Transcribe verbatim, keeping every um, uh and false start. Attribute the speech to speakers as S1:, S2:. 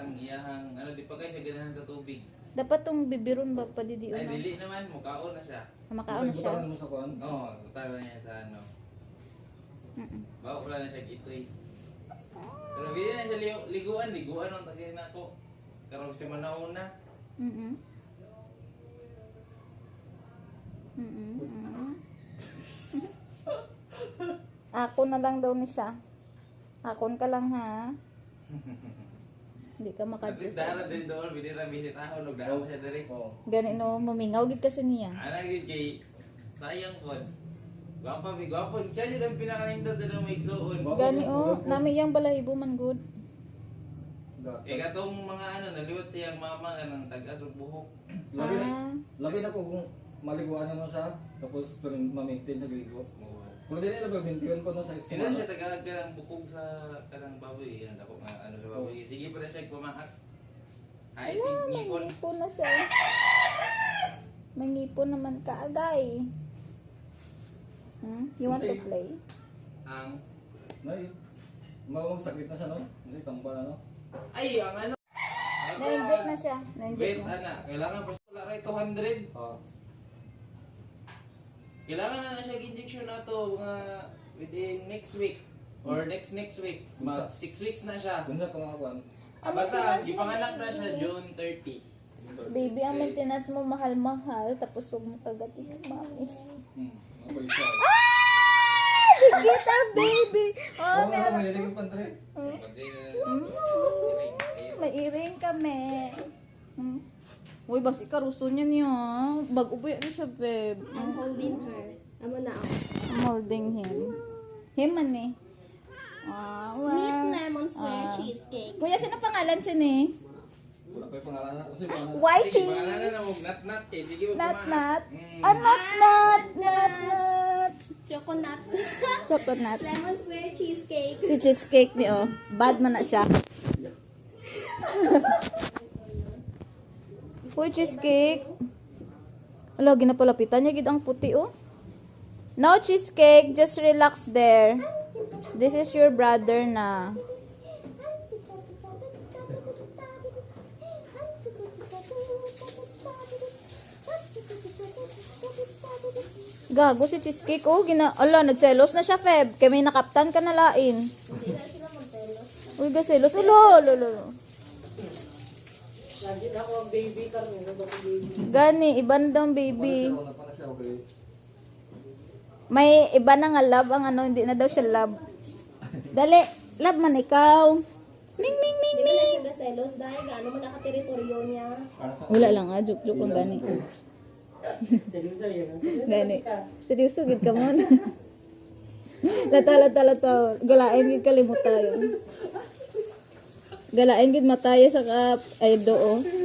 S1: ang iyahang, ano, di pa kayo siya ganahan sa tubig.
S2: Dapat tong bibiron ba pa di di
S1: Ay,
S2: uno.
S1: dili naman, mukaon na siya.
S2: Makaon
S3: Kasi
S2: siya.
S3: butaran mo sa kuan.
S1: Oo, oh, butaran niya sa ano.
S2: Mm-mm.
S1: Bawa wala na siya itoy. Pero hindi na siya ligu- liguan, liguan ang tagay na ako. Karong si manauna.
S2: Mm-mm. Mm-mm. Mm-mm. Ako na lang daw ni siya. Akon ka lang ha. Hindi ka
S1: At least
S2: makadiyos.
S1: dara din doon, binira visit ako, nagdaan siya diri.
S3: Oo.
S2: Gani no, mamingaw gid kasi niya.
S1: Ana gyud kay sayang pod. Gwapa mi gwapo siya jud ang pinakanindot sa damo igsuon.
S2: Gani oh, nami yang balahibo man good.
S1: Eh katong mga ano naliwat siyang mama nga nang tagas ug buhok.
S3: Labi na,
S2: Ah.
S3: labi na ko kung maliguan mo siya, tapos pero ma-maintain sa ligo. Kung di nila ba-maintain ko no sa
S1: Sino siya tagalag ka ng bukog sa kanang baboy, yan ako nga ano sa baboy. Sige pala siya pamahak. Ay,
S2: Ah, may
S1: ngipon.
S2: ngipon na siya. May ngipon naman ka agay. Hmm? You want to play?
S1: Ang
S3: Nay, mawang sakit na siya no? Hindi tambal na no?
S1: ay ang ano.
S2: Na-inject na siya. Na-inject
S1: Wait,
S2: na.
S1: ana, kailangan pa siya wala kay two hundred.
S3: Oo.
S1: Kailangan na na siya injection na to mga within next week or next next week. Mag six weeks na siya.
S3: Kung sa pangakuan,
S1: Ah,
S2: Ang
S1: basta
S2: maintenance mo,
S1: gipanganak na
S2: baby.
S1: siya June thirty.
S2: Baby, ang maintenance mo mahal-mahal. Tapos huwag mo kagatin yung mami.
S3: hmm, ako isa.
S2: Kita, baby! Oh,
S3: Oo,
S2: meron.
S3: may lilig pantre.
S2: May iring kami. Hmm? Uy, basi karuso niya niya. Bag-uboy ano siya, babe.
S4: I'm holding her. Amo na ako.
S2: I'm holding him. Him man eh. Ah, wow.
S4: Meat lemon square
S2: Ah.
S4: cheesecake.
S2: Kuya, sino pangalan sini?
S3: Wala pa yung pangalan na. Kasi pangalan.
S1: Sige,
S2: Whitey!
S1: pangalan na mo nat-nat kay sige mo
S2: Nat Nat.
S1: Mm.
S2: Ah, Nat Nat! Nat Nat!
S4: Choconut.
S2: Chocolate Nat.
S4: Lemon square cheesecake.
S2: Si cheesecake ni oh. Bad man na siya. Uy, cheesecake. Ala, ginapalapitan niya gid ang puti oh. No cheesecake, just relax there. This is your brother na. Gago si cheesecake oh, gina ala nagselos na siya Feb. Kay may nakaptan ka na lain.
S4: Hindi na sila magtelos.
S2: Uy, gaselos. Ulo, ulo, ulo.
S5: Lagi na ako ang baby karon, ano ba ang baby?
S2: Gani, iban daw ang baby.
S3: Wala pa na siya, okay.
S2: May iba na nga love ang ano, hindi na daw siya love. Dali, love man ikaw. Ming, ming, ming,
S4: Hindi ba na
S2: ming.
S4: siya gaselos dahil gaano mo nakateritoryo niya.
S2: Wala lang ah, joke, joke lang gani.
S5: Seryoso yun. ah. Seryoso
S2: Gani.
S5: ka.
S2: Seryoso, gid ka mo na. Lata, lata, lata. Galain gid kalimutan yun. Galain gid mataya sa ka, ay doo.